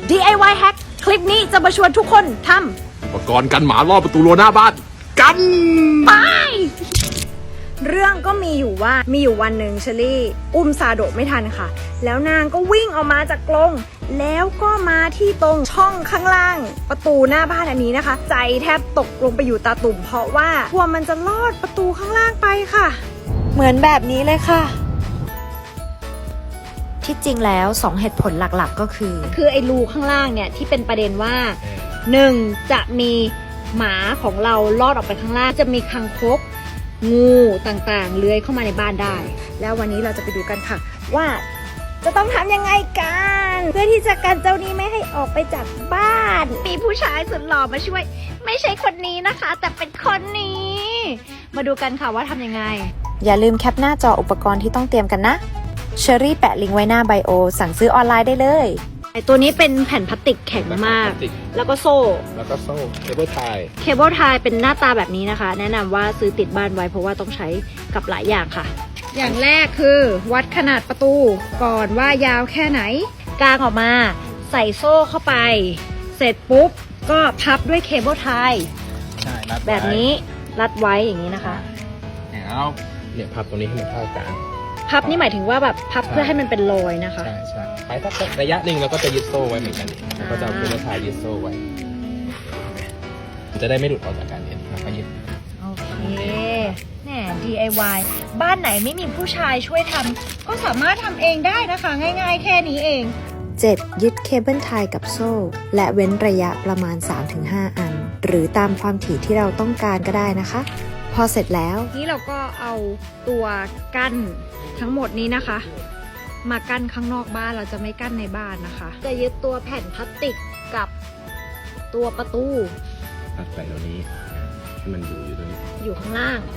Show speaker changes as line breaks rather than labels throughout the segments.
DIY hack คลิปนี้จะมาชวนทุกคนทำ
อุปกรณ์กันหมาล่อประตูรั้วหน้าบ้านกัน
ไปเรื่องก็มีอยู่วันหนึ่งเชอรี่อุ้มซาโดะไม่ทันค่ะแล้วนางก็วิ่งออกมาจากกรงแล้วก็มาที่ตรงช่องข้างล่างประตูหน้าบ้านอันนี้นะคะใจแทบตกลงไปอยู่ตาตุ่มเพราะว่ากลัวมันจะลอดประตูข้างล่างไปค่ะเหมือนแบบนี้เลยค่ะที่จริงแล้ว2เหตุผลหลักๆก็คือไอ้รูข้างล่างเนี่ยที่เป็นประเด็นว่า1จะมีหมาของเราลอดออกไปข้างล่างจะมีคางคกงูต่างๆเลื้อยเข้ามาในบ้านได้แล้ววันนี้เราจะไปดูกันค่ะว่าจะต้องทำยังไงกันเพื่อที่จะกันเจ้านี้ไม่ให้ออกไปจากบ้านมีผู้ชายสุดหล่อมาช่วยไม่ใช่คนนี้นะคะแต่เป็นคนนี้มาดูกันค่ะว่าทำยังไงอย่าลืมแคปหน้าจออุปกรณ์ที่ต้องเตรียมกันนะเชอรี่แปะลิงก์ไว้หน้าไบโอสั่งซื้อออนไลน์ได้เลยไอตัวนี้เป็นแผ่นพลาสติกแข็งมากแล้วก็โซ่
เคเบิลไทย
เป็นหน้าตาแบบนี้นะคะแนะนำว่าซื้อติดบ้านไว้เพราะว่าต้องใช้กับหลายอย่างค่ะอย่างแรกคือวัดขนาดประตูก่อนว่ายาวแค่ไหนกางออกมาใส่โซ่เข้าไปเสร็จปุ๊บก็พับด้วยเคเบิลไทยแบบนี้รัดไว้อย่างนี้นะคะ
แล้วเนี่ยพับตรงนี้ให้มันเข้ากัน
พับนี่หมายถึงว่าแบบพับเพื่อให้มันเป็นรอยนะคะ
ใช่ไปสักระยะหนึ่งเราก็จะยึดโซ่ไว้เหมือนกันแล้วก็จะเอาเคเบิลไทยยึดโซ่ไว้มันจะได้ไม่หลุดออกจากกันเนี่ยแล้วก็ยึด
โอเคแน่ DIY บ้านไหนไม่มีผู้ชายช่วยทำก็สามารถทำเองได้นะคะง่ายๆแค่นี้เอง 7. ยึดเคเบิลไทยกับโซ่และเว้นระยะประมาณ 3-5 อันหรือตามความถี่ที่เราต้องการก็ได้นะคะพอเสร็จแล้วนี่เราก็เอาตัวกั้นทั้งหมดนี้นะคะมากั้นข้างนอกบ้านเราจะไม่กั้นในบ้านนะคะจะยึดตัวแผ่นพลาสติกกับตัวประตู
ตัดไปตรงนี้ให้มันอยู่ตรงนี้
อยู่ข้างล่าง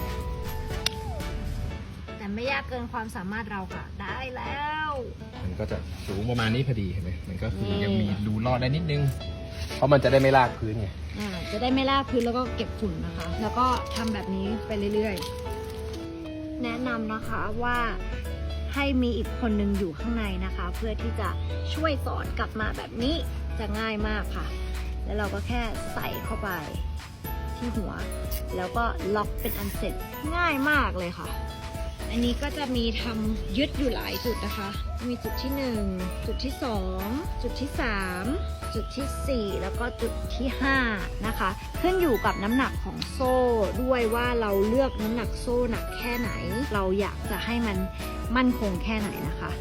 แต่ไม่ยากเกินความสามารถเราค่ะได้แล้ว
มันก็จะสูงประมาณนี้พอดีเห็นไหมมันก็คือยังมีรูลอดได้นิดนึงเพราะมันจะได้ไม่ลากพื้นไง
จะได้ไม่ลากพื้นแล้วก็เก็บฝุ่นนะคะแล้วก็ทำแบบนี้ไปเรื่อยๆแนะนำนะคะว่าให้มีอีกคนนึงอยู่ข้างในนะคะเพื่อที่จะช่วยสอนกลับมาแบบนี้จะง่ายมากค่ะแล้วเราก็แค่ใส่เข้าไปที่หัวแล้วก็ล็อกเป็นอันเสร็จง่ายมากเลยค่ะอันนี้ก็จะมีทำยึดอยู่หลายจุดนะคะมีจุดที่1จุดที่2จุดที่3จุดที่4แล้วก็จุดที่5นะคะขึ้นอยู่กับน้ำหนักของโซ่ด้วยว่าเราเลือกน้ำหนักโซ่หนักแค่ไหนเราอยากจะให้มันมั่นคงแค่ไหนนะคะ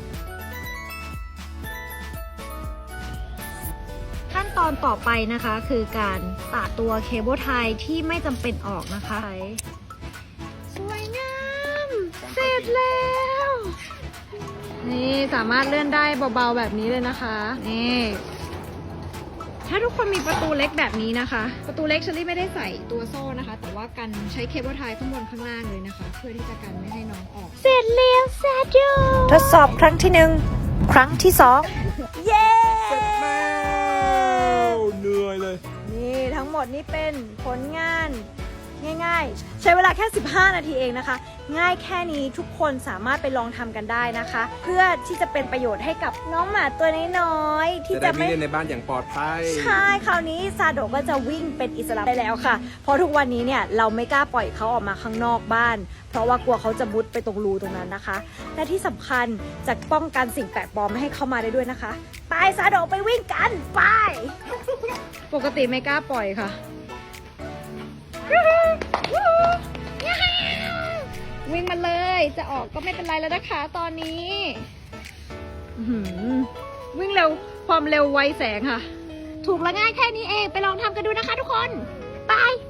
ขั้นตอนต่อไปนะคะคือการตัดตัวเคเบิลไทยที่ไม่จำเป็นออกนะคะสวยงามเสร็จแล้วนี่สามารถเลื่อนได้เบาๆแบบนี้เลยนะคะนี่ถ้าทุกคนมีประตูเล็กแบบนี้นะคะประตูเล็กเชอรี่ไม่ได้ใส่ตัวโซ่นะคะแต่ว่ากันใช้เคเบิลไทยข้างบนข้างล่างเลยนะคะเพื่อที่จะกันไม่ให้น้องออกเสร็จแล้วซาโดทดสอบครั้งที่1ครั้งที่2เย้
เสร็จแล้วเหนื่อยเลย
นี่ทั้งหมดนี้เป็นผลงานง่ายๆใช้เวลาแค่15นาทีเองนะคะง่ายแค่นี้ทุกคนสามารถไปลองทำกันได้นะคะเพื่อที่จะเป็นประโยชน์ให้กับน้องหมาตัวน้อยๆที่จะไม่
เล่นในบ้านอย่างปลอดภัย
ใช่คราวนี้ซาโดะก็จะวิ่งเป็นอิสระได้แล้วค่ะเพราะทุกวันนี้เนี่ยเราไม่กล้าปล่อยเขาออกมาข้างนอกบ้านเพราะว่ากลัวเขาจะมุดไปตรงรูตรงนั้นนะคะและที่สำคัญจะป้องกันสิ่งแปลกปลอมไม่ให้เข้ามาได้ด้วยนะคะไปซาโดะไปวิ่งกันไปปกติไม่กล้าปล่อยค่ะวิ่งมาเลยจะออกก็ไม่เป็นไรแล้วนะคะตอนนี้วิ่งเร็วความเร็วไวแสงค่ะถูกและง่ายแค่นี้เองไปลองทำกันดูนะคะทุกคนไป